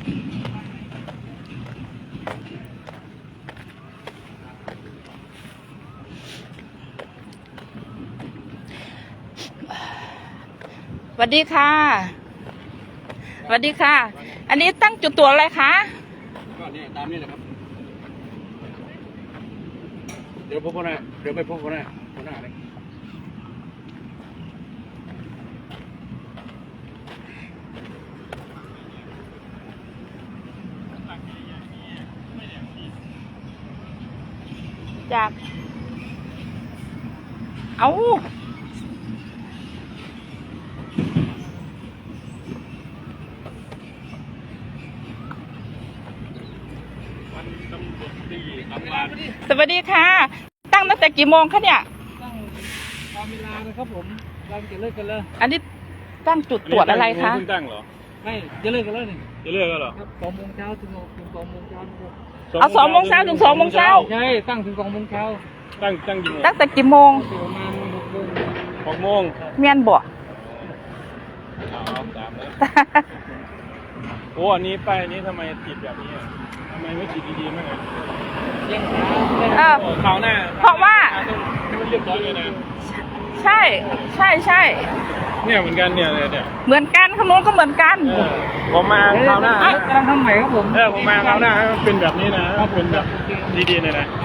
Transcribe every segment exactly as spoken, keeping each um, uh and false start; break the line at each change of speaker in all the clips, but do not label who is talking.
สวัสดีค่ะสวัสดีค่ะ อันนี้ตั้งจุดตรวจอะไรคะ
ก็เนี่ยตามนี้แหละครับเดี๋ยวพบคนหน้าเดี๋ยวไปพบคนหน้าคนหน้าเลย
จากเอาสวัสดีค่ะตั้งตั้งแต่กี่โมงคะเนี่ย
ตั้งตามเวลานะครับผมเราจะเลิกกันแล้ว
อันนี้ตั้งจุดตรวจอะไรคะ
ตั้งเหรอไม่จะเลิกกันแล้วนี่จะเลิกกันเหรอครับสองโมงเช้าถึงถึงสองโมงเช้า
เอาสองโมงเช้าถึงสองโมงเช้า
ใช่ตั้งถึงสองโมงเช้าตั้งตั้งกี่โมง
ตั้งแต่กี่โมง
ประมาณหกโมง
เมียนบ่
เอาตามแล้วโอ้อันนี้ไปนี้ทำไมติดแบบนี้ทำไมไม่ติดดีๆมั้งอ่ะยัง
ช้า
ข่าวหน้า
เพราะว่า
มันเรียบร้อยเลยนะ
ใช่ใช่ใช่
เนี่ยเหมือนกันเนี่ยเนี่ย
เหมือนกันขนมก็เหมือนกัน
ผมมาคราวหน้ากำลังทำใหม่ครับผมเออผมมาคราวหน้าให้มันเป็นแบบนี้นะเป็นแบบดีๆเลยนะ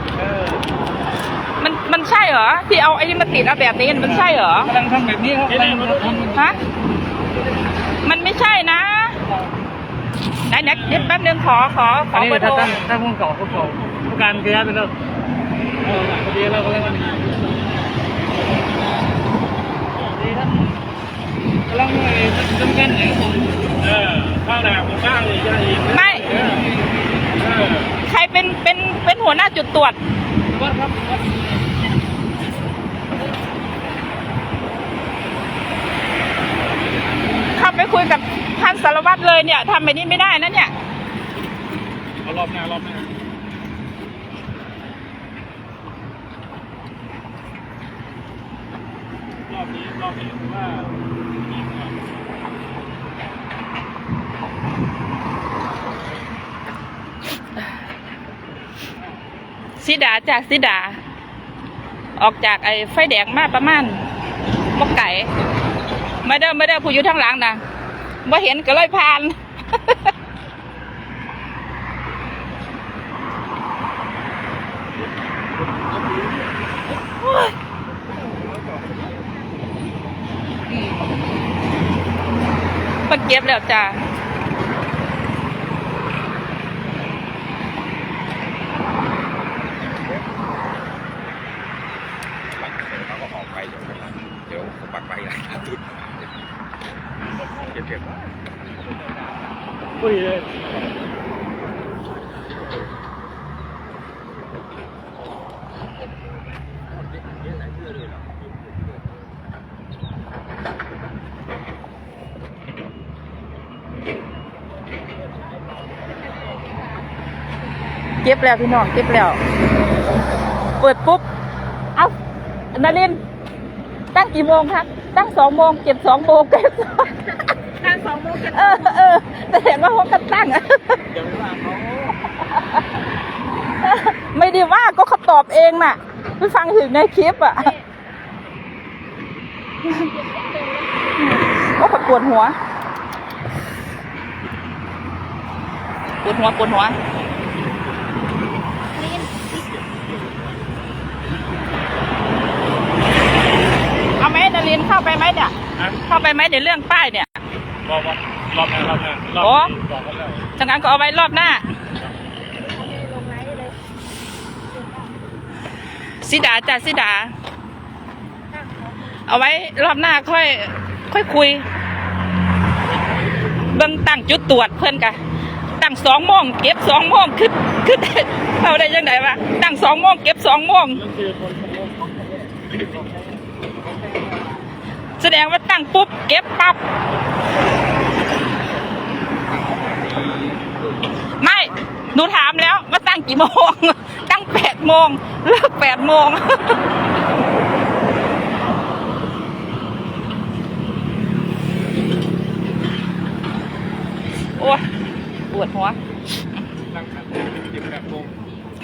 มันมันใช่เหรอที่เอาไอ้นี่มาติดเอาแบบนี้มันใช่เหรอก
ำลังทำแบบนี้ครับ
ฮะมันไม่ใช่นะไหนๆเดี๋ยวแป๊บนึงขอขอขอเบอร์โทร
ถ้าถ้าพวกเก่าพวกเก่าผู้การเกลียดไปแล้วเออพอดีเราก็เลยมันดีท่านกำลังไอ้จำกันไหนผมเออข้าวหนาผมบ้างเลยจะอีก
ไม่ใครเป็นเป็นเป็นหัวหน้าจุดตรวจ
วัดครับวัด
เข้าไปคุยกับท่านสารวัตรเลยเนี่ยทำแบบนี้ไม่ได้นะเนี่ย
เอารอบหน้ารอบหน้ารอบนี้รอบนี้ว่า
สีดาจากสีดาออกจากไอ้ไฟแดงมาประมาณมกไก่ไม่ได้ไม่ได้ผู้อยู่ทางหลังนะมาเห็นก็เลยผ่านมาเก็บแล้วจ้า
เขาก็ออกไปเดี๋ยวเดี๋ยวผมปักไปนะจุดเก็บเก็บ
ปุ้ยเลย
เก็บแล้วพี่น้องเก็บแล้วเปิดปุ๊บเอานารินตั้งกี่โมงคะตั้งสองโมงเก็บสองโมงเก็บตั้งสองโมงเก็บเออเออแต่เห็นว่าเขาตั้งอะไม่ได้ว่าก็เขาตอบเองน่ะไปฟังถึงในคลิปอ่ะก็ปวดหัวปวดหัวปวดหัวเอาไหมนารินเข้าไปไหมเนี่ยเข้าไปไหมในเรื่องป้ายเนี่ย
รอบรอบหน้ารอบหน้ารอบสองกันแล้ว
จังงั้นก็เอาไว้รอบหน้าสิดาจ้ะสิดาเอาไว้รอบหน้าค่อยค่อยคุยเบิ่งตั้งจุดตรวจเพื่อนกันตั้งสองโมงเก็บสองโมงขึ้นขึ้นเอาได้ยังไงวะตั้งสองโมงเก็บสองโมงแสดงว่าตั้งปุ๊บเก็บปั๊บไม่หนูถามแล้วว่าตั้งกี่โมงตั้งแปดโมงเลิกแปดโมงโอ้ยปวดหัว
ตั้งครับติดแบบงง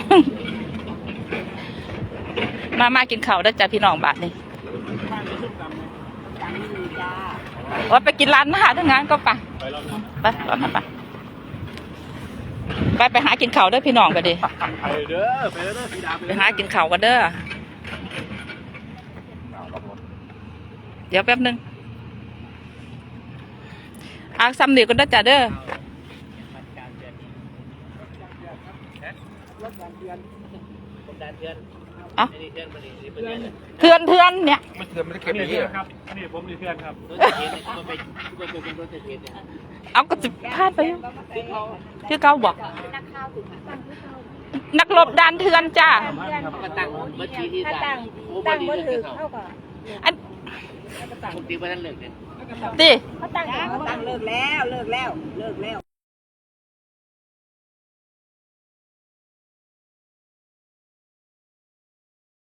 มามากินข้าวได้อจ้ะพี่น้องบาทนี่
บ้านมีส้มตำไหม
จังมีจ้า
ว่าไปกินร้านอาหารทั้งนั้นก็ไป
ไปรอบนึง
ไปรอบนั้นไปไปไปหากินข้าวเด้อพี่น้องกันดิ
ไปเด้อไปเด้อสีดาไป
ไปหากินข้าวกันเด้อเดี๋ยวแป๊บนึงอาซ้ำนี่ก็ได้อจ้ะเด้อ เอาเทือนเทือนเนี่ย
มันเถื่อนไม่ได้เก็บ
นี่
อย่าง
เพื่
นี้
อนครับนี่ผมมีเพื่อนครับ
เอาก็จะพลาดไปชื่อเก้าบอก นักรบดานเทือนจ้า
ก็ตั้งบัญชีที่ตั้งตั้งมือถือเข้าก่อน
อัน
ผมตีไปนั่นเลยเนี่ย
ดิ
เขาตั้งเขาตั้งเลิกแล้วเลิกแล้วเลิกแล้ว